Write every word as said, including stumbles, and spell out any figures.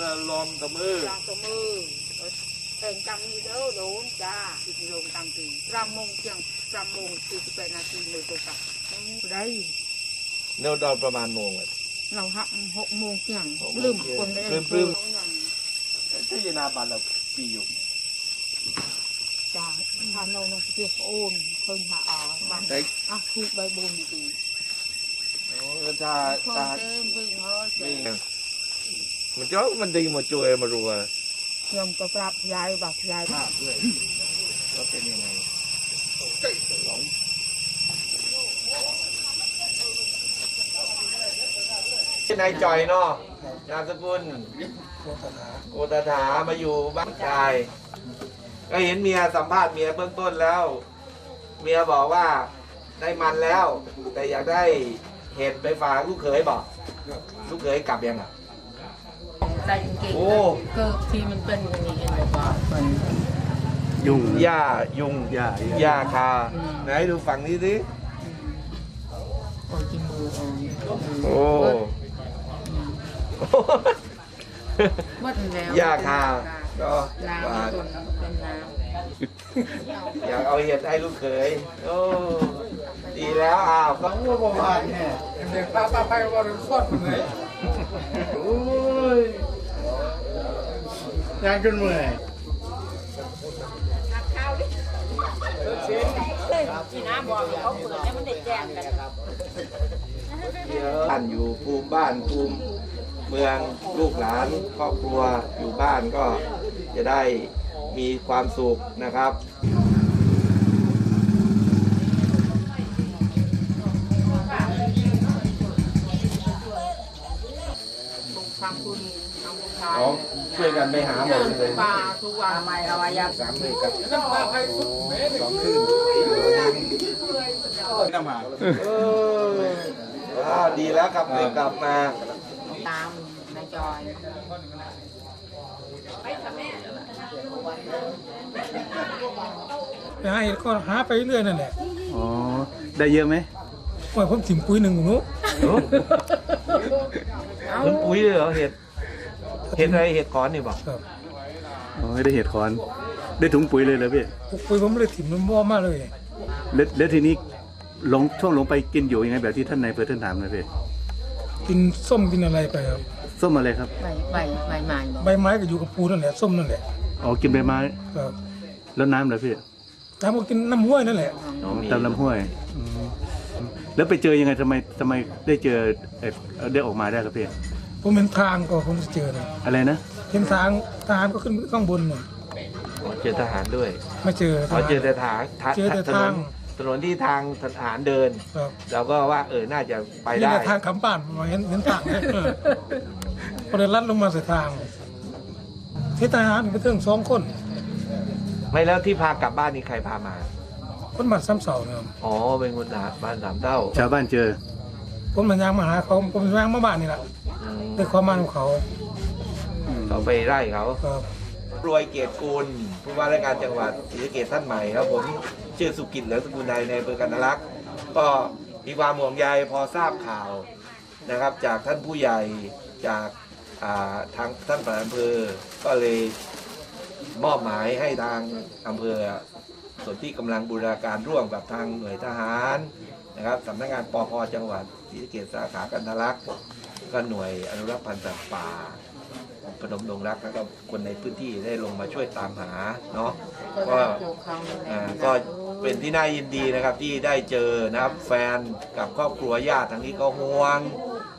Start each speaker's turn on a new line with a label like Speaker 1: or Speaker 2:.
Speaker 1: ลอมตะมือ
Speaker 2: ลองตะมือแต่งจำนี่เด้อโดนจ้าติดลงตามตีรำมงเชียงรำมงสี่สิบแปดนาทีเลยตัวกับได้
Speaker 1: เนวดอนประมาณโมงอ่ะ
Speaker 2: เราหักหกโมงเชียงลืมคนได้
Speaker 1: ลืมลืมที่ยนาบานเราปีอยู่
Speaker 2: จ้าทานโนนเกี่ยวโอนเพิ่งหาอ๋อบ้านอ่ะคือใบบุญดี
Speaker 1: โอ้ชา
Speaker 2: ชา
Speaker 1: มันเจ้ามันดีมาช่วยมารัวย
Speaker 2: มก็ปรับยายบอกยาย
Speaker 1: ภาพด้วยแล้วเป็นยังไงที่นายจอยเนาะนามสกุลโกตถามาอยู่บ้านชายก็เห็นเมียสัมภาษณ์เมียเบื้องต้นแล้ว เมียบอกว่าได้มันแล้ว แต่อยากได้เห็ดไปฝากลูกเขยบอกลูกเขยกลับยังอ่ะ
Speaker 2: ได้จริงๆเกิดที่มันเป็นอย่างนี้เองบอกว่ามัน
Speaker 1: ยุงหญ้ายุง
Speaker 3: หญ้า
Speaker 1: หญ้าคาไหนดูฝั่งนี้สิ
Speaker 2: โอ้จิมือ
Speaker 1: โอ้หญ้าคาก็อยากเอาเห็ดให้ลูกเขยโอ้ดีแล้วอ้าวก็ว่าประมาณเนี่ยเด็กป้าป้าไปว่าเป็นฟอดเลยโอ้ยงานจนเมื่อย
Speaker 2: จีน่าบอกเขาเปิดแล้วมันได้แจ้งกัน
Speaker 1: บ้านอยู่ภูมิบ้านภูมิเมืองลูกหลานครอบครัวอยู่บ้านก็จะได้มีความสุขนะครับอ๋อช่วยกันไปหาหมดเลย
Speaker 2: ปลาทุกวันไม่เอาไว้ยั
Speaker 1: สามเลยครับสองคืนน้ำมาเออดีแล้วครับเลยกลับมา
Speaker 2: ตามนายจอย
Speaker 3: ไปหาเห็ดก็หาไปเรื่อยนั่นแหละ
Speaker 4: อ๋อได้เยอะไหม
Speaker 3: ว่าผมถิ่มปุ๋ยหนึ่งหนู
Speaker 1: มันปุ๋ยเลยเหรอเห็ดเห็ดอะไรเห็ดขอนนี่บอก
Speaker 4: อ๋อได้เห็ดขอนได้ถุงปุ๋ยเลยเหรอพี่
Speaker 3: ปุ๋ยผมเลยถิ่มมันบ่มากเลย
Speaker 4: แล้วแล้วทีนี้ลงช่วงลงไปกินอยู่ยังไงแบบที่ท่านนายเพื่อนท่านถามเลยพี่
Speaker 3: กินส้มกินอะไรไปครับ
Speaker 4: ส้มอะไรครับ
Speaker 2: ใบใบใบไม้
Speaker 3: ใบไม้ก็อยู่กับปูนั่นแหละส้มนั่นแหละ
Speaker 4: อ๋อกินใบไม้ครับแล้วน้ำเหรอพี่
Speaker 3: น้ำก็กินน้ำห้วยนั่นแหละ
Speaker 4: อ๋อตามน้ำห้วยแล้วไปเจอยังไงทำไมทำไมได้เจอได้ออกมาได้ครับพี่
Speaker 3: ผมเห็นทางก็ผมจะเจอเลย
Speaker 4: อะไรนะ
Speaker 3: เห็นทางทหารก็ขึ้นข้างบนเนี่ย
Speaker 1: เจอทหารด้วย
Speaker 3: ไม่เจอ
Speaker 1: เขาเจอแต่ทาง
Speaker 3: เจอแต่ทาง
Speaker 1: ถนนที่ทางทหารเดินเราก็ว่าเออน่าจะไปได้
Speaker 3: ทางขำป่านมาเห็นเห็นทางเนี่ยพอเดินลัดลงมาใส่ทางที่ทหารไปถึงสองคน
Speaker 1: ไม่แล้วที่พากลับบ้านนี่ใครพามา
Speaker 3: คนบ้านซ้ำเสาเนี่ย
Speaker 1: อ๋อเป็นคนบ้านสามเต้า
Speaker 4: ชาวบ้านเจอ
Speaker 3: ผมมันยางมาหาเขาผมยางมาบ้านนี่แหละด้วยความมาของเขา
Speaker 1: เขาไปไล่เขารวยเกียรติกุลผู้ว่าราชการจังหวัดศรีสะเกษท่านใหม่ครับผมชื่อสุกิจเหลืองสกุลใดในอำเภอกันทรลักษณ์ก็มีความห่วงใยพอทราบข่าวนะครับจากท่านผู้ใหญ่จากทางท่านปลัดอำเภอก็เลยมอบหมายให้ทางอำเภอส่วนที่กำลังบูรณาการร่วมกับทางหน่วยทหารนะครับสำนักงานปภ.จังหวัดศรีสะเกษสาขากันทรลักษณ์ก็หน่วยอนุรักษ์พันธุ์สัตว์ป่าพนมดงรักแล้วก็คนในพื้นที่ได้ลงมาช่วยตามหาเนาะก็ก็เป็นที่น่ายินดีนะครับที่ได้เจอนะครับแฟนกับครอบครัวญาติทางนี้ก็ห่วง